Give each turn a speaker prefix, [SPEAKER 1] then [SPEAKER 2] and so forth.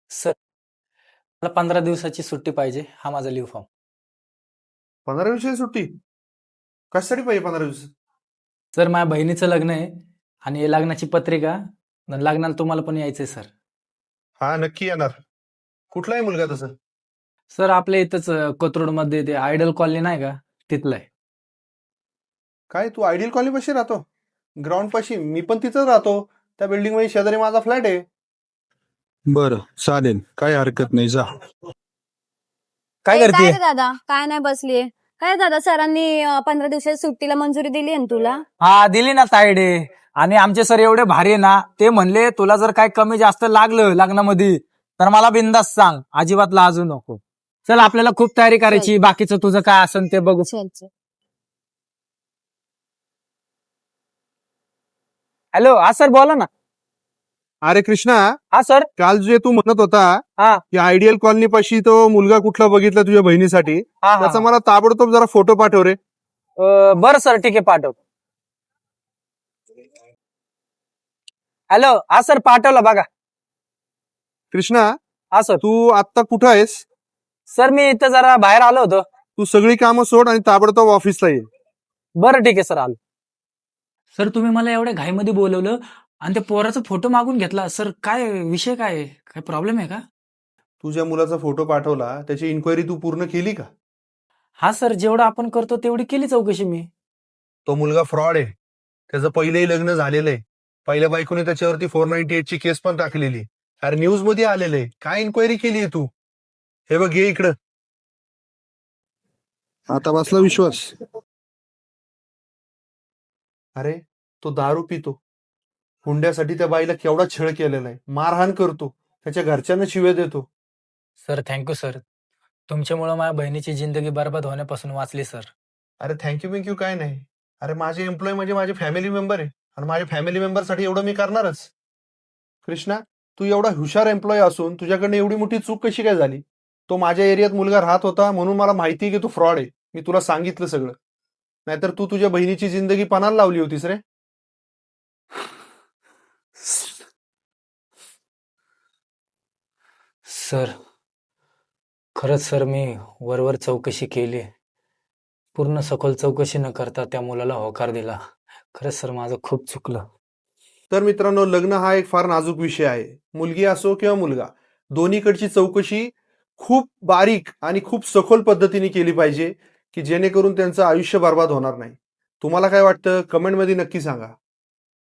[SPEAKER 1] Sir, मला 15 दिवसाची सुट्टी पाहिजे. हा माझा लीव्ह फॉर्म.
[SPEAKER 2] 15 दिवसाची सुट्टी कशासाठी पाहिजे 15 दिवस?
[SPEAKER 1] सर, माझ्या बहिणीचं लग्न आहे आणि हे लग्नाची पत्रिका. लग्नाला तुम्हाला पण यायचंय सर.
[SPEAKER 2] हा, नक्की येणार. कुठला आहे मुलगा तसं?
[SPEAKER 1] सर, आपल्या इथंच कोथरूडमध्ये ते आयडल कॉलनी नाही का, तिथलं आहे.
[SPEAKER 2] काय तू आयडियल कॉलनी पाशी राहतो? ग्राउंड पाशी? मी पण तिथंच राहतो. त्या बिल्डिंग मध्ये शेजारी माझा फ्लॅट आहे.
[SPEAKER 3] बरं, चालेल, काही हरकत नाही, जा.
[SPEAKER 1] काय
[SPEAKER 4] काय
[SPEAKER 1] करते?
[SPEAKER 4] रे दादा, काय नाही बसलीये. काय दादा, सरांनी 15 दिवसाची सुट्टीला मंजुरी दिली आहे ना तुला?
[SPEAKER 1] हा, दिली ना तायडे. आणि आमचे सर एवढे भारी आहे ना, ते म्हणले तुला जर काय कमी जास्त लागलं लग्नामध्ये तर मला बिंदास सांग, अजिबात लाजू नको. चल, आपल्याला खूप तयारी करायची. बाकीचं तुझं काय असेल ते बघू.
[SPEAKER 4] चल चल.
[SPEAKER 1] हॅलो, हा सर, बोला ना.
[SPEAKER 2] अरे कृष्णा,
[SPEAKER 1] हा सर.
[SPEAKER 2] काल जे तू म्हणत होता
[SPEAKER 1] हा.
[SPEAKER 2] की आयडियल कॉलनी पाशी तो मुलगा कुठला बघितला तुझ्या बहिणीसाठी,
[SPEAKER 1] हा,
[SPEAKER 2] त्याचा मला ताबडतोब जरा फोटो पाठव रे.
[SPEAKER 1] बरं सर, ठीक आहे, पाठवतो. हॅलो, हा सर, पाठवला बघा.
[SPEAKER 2] कृष्णा,
[SPEAKER 1] हा सर.
[SPEAKER 2] तू आत्ता कुठं आहेस?
[SPEAKER 1] सर, मी इथं जरा बाहेर आलो होतो.
[SPEAKER 2] तू सगळी कामं सोड आणि ताबडतोब ऑफिसला ये.
[SPEAKER 1] बरं, ठीक आहे सर, आलो. सर, तुम्ही मला एवढ्या घाईमध्ये बोलवलं आणि त्या पोराचा फोटो मागून घेतला. सर, काय विषय काय आहे? काय प्रॉब्लेम आहे का?
[SPEAKER 2] तुझ्या मुलाचा फोटो पाठवला, त्याची इन्क्वायरी तू पूर्ण केली का?
[SPEAKER 1] हा सर, जेवढं आपण करतो तेवढी केली चौकशी मी.
[SPEAKER 2] तो मुलगा फ्रॉड आहे. त्याचं पहिलेही लग्न झालेलं आहे. पहिल्या बायकोने त्याच्यावरती 498 ची केस पण टाकलेली. अरे न्यूज मध्ये आलेलं आहे. काय इन्क्वायरी केली आहे तू? हे बघ, ये इकडं.
[SPEAKER 3] आता बसला विश्वास?
[SPEAKER 2] अरे, तो दारू पितो. हुंड्यासाठी त्या बाईला केवढा छळ केलेला आहे. मारहाण करतो. त्याच्या घरच्यांना शिव्या देतो.
[SPEAKER 1] Sir, thank you sir. तुमच्यामुळे माझ्या बहिणीची जिंदगी बर्बाद होण्यापासून वाचली सर.
[SPEAKER 2] अरे थँक्यू काय नाही. अरे माझे एम्प्लॉय म्हणजे माझे फॅमिली मेंबर आहे आणि माझ्या फॅमिली मेंबरसाठी एवढं मी करणारच. कृष्णा, तू एवढा हुशार एम्प्लॉय असून तुझ्याकडनं एवढी मोठी चूक कशी काय झाली? तो माझ्या एरियात मुलगा राहत होता म्हणून मला माहिती आहे की तू फ्रॉड आहे. मी तुला सांगितलं सगळं. नाहीतर तू तुझ्या बहिणीची जिंदगी पणाला लावली होतीस रे.
[SPEAKER 1] सर, खरंच सर, मी वरवर चौकशी केली. पूर्ण सखोल चौकशी न करता त्या मुलाला होकार दिला. खरंच सर, माझं खूप चुकलं.
[SPEAKER 2] तर मित्रांनो, लग्न हा एक फार नाजूक विषय आहे. मुलगी असो किंवा मुलगा, दोन्हीकडची चौकशी खूप बारीक आणि खूप सखोल पद्धतीने केली पाहिजे की जेणेकरून त्यांचं आयुष्य बर्बाद होणार नाही. तुम्हाला काय वाटतं? कमेंटमध्ये नक्की सांगा.